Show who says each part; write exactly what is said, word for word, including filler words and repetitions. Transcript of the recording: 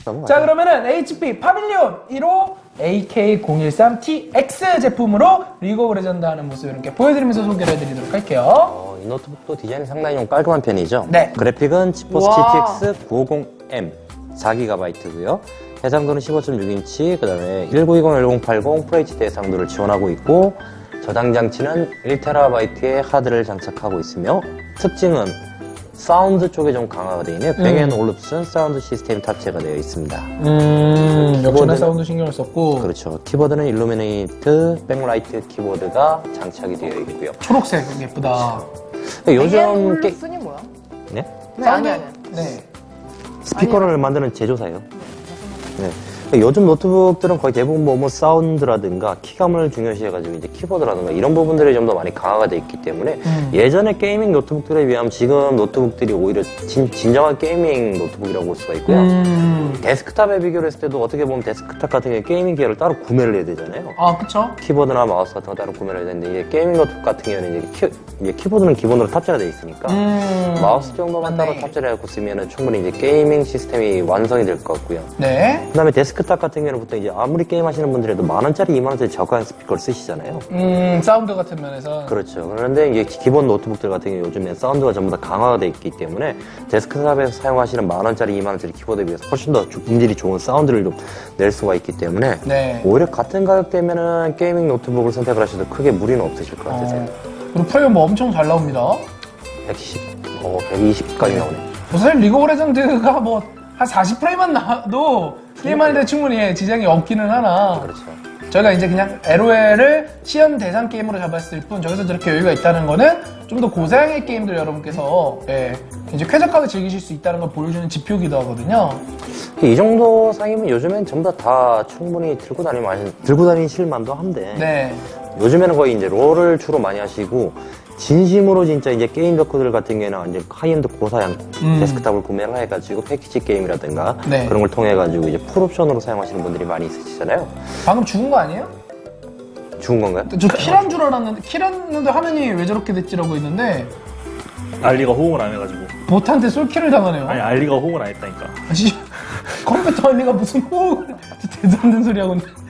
Speaker 1: 넘어가자.
Speaker 2: 자, 그러면은 에이치피 파빌리온 일호 에이케이 공일삼 티엑스 제품으로 리그 오브 레전드 하는 모습 이렇게 보여드리면서 소개를 해드리도록 할게요.
Speaker 1: 어, 이 노트북도 디자인이 상당히 좀 깔끔한 편이죠.
Speaker 2: 네.
Speaker 1: 그래픽은 지포스
Speaker 3: 와.
Speaker 1: 지티엑스 구오공 엠 사 기가바이트고요. 해상도는 십오 점 육 인치, 그 다음에 천구백 천팔십 FHD 해상도를 지원하고 있고, 저장 장치는 일 테라바이트의 하드를 장착하고 있으며, 특징은 사운드 쪽에 좀 강화가 되어 있는 뱅 앤 올룹슨 사운드 시스템 탑재가 되어 있습니다.
Speaker 2: 음, 역시나
Speaker 1: 키보드는-
Speaker 2: 사운드 신경을 썼고.
Speaker 1: 그렇죠. 키보드는 일루미네이트 백라이트 키보드가 장착이 되어 있고요.
Speaker 2: 초록색 예쁘다.
Speaker 1: 요즘 게...
Speaker 3: 순이 뭐야?
Speaker 1: 네?
Speaker 3: 네, 아니, 아니.
Speaker 2: 네.
Speaker 1: 스피커를 만드는 제조사예요. 네. 요즘 노트북들은 거의 대부분 뭐, 뭐 사운드라든가 키감을 중요시해가지고 이제 키보드라든가 이런 부분들이 좀 더 많이 강화가 돼 있기 때문에
Speaker 2: 음.
Speaker 1: 예전에 게이밍 노트북들에 비하면 지금 노트북들이 오히려 진, 진정한 게이밍 노트북이라고 볼 수가 있고요.
Speaker 2: 음.
Speaker 1: 데스크탑에 비교를 했을 때도 어떻게 보면 데스크탑 같은 경우에 게이밍 기어를 따로 구매를 해야 되잖아요.
Speaker 2: 아, 그쵸?
Speaker 1: 키보드나 마우스 같은 거 따로 구매를 해야 되는데 이제 게이밍 노트북 같은 경우에는 이제, 키, 이제 키보드는 기본으로 탑재가 돼 있으니까
Speaker 2: 음.
Speaker 1: 마우스 정도만
Speaker 2: 맞네.
Speaker 1: 따로 탑재를 해갖고 쓰면은 충분히 이제 게이밍 시스템이 완성이 될 것 같고요.
Speaker 2: 네.
Speaker 1: 그 다음에 데스크탑 같은 경우는 보통 이제 아무리 게임 하시는 분들에도 만 원짜리, 이만 원짜리 저가형 스피커를 쓰시잖아요.
Speaker 2: 음, 사운드 같은 면에서.
Speaker 1: 그렇죠. 그런데 이제 기본 노트북들 같은 경우 요즘엔 사운드가 전부 다 강화가 되어 있기 때문에 데스크탑에서 사용하시는 만 원짜리, 이만 원짜리 키보드에 비해서 훨씬 더 음질이 좋은 사운드를 좀 낼 수가 있기 때문에
Speaker 2: 네.
Speaker 1: 오히려 같은 가격대면은 게이밍 노트북을 선택을 하셔도 크게 무리는 없으실 것 같으세요.
Speaker 2: 어, 그리고 프레임 뭐 엄청 잘 나옵니다.
Speaker 1: 백십, 어, 백이십까지 나오네.
Speaker 2: 뭐 사실 리그 오브 레전드가 뭐 한 사십 프레임만 나와도 게임하는데 충분히 예, 지장이 없기는 하나
Speaker 1: 그렇죠.
Speaker 2: 저희가 이제 그냥 엘오엘을 시연 대상 게임으로 잡았을 뿐 저기서 저렇게 여유가 있다는 거는 좀 더 고사양의 게임들 여러분께서 예, 이제 쾌적하게 즐기실 수 있다는 걸 보여주는 지표기도 하거든요.
Speaker 1: 이 정도 상이면 요즘엔 전부 다, 다 충분히 들고 다니면 들고 다니실 만도 한데
Speaker 2: 네.
Speaker 1: 요즘에는 거의 이제 롤을 주로 많이 하시고 진심으로 진짜 이제 게임 덕후들 같은 경우에는 완전 하이엔드 고사양
Speaker 2: 음.
Speaker 1: 데스크탑을 구매를 해가지고 패키지 게임이라든가
Speaker 2: 네.
Speaker 1: 그런 걸 통해 가지고 이제 풀옵션으로 사용하시는 분들이 많이 있으시잖아요.
Speaker 2: 방금 죽은 거 아니에요?
Speaker 1: 죽은 건가요?
Speaker 2: 저 킬한 줄 알았는데 킬했는데 화면이 왜 저렇게 됐지라고 했는데
Speaker 4: 알리가 호응을 안 해가지고.
Speaker 2: 보트한테 솔킬을 당하네요.
Speaker 4: 아니, 알리가 호응을 안 했다니까.
Speaker 2: 아니, 컴퓨터 언니가 무슨 호흡을 대도 안 되는 소리 하고 있는데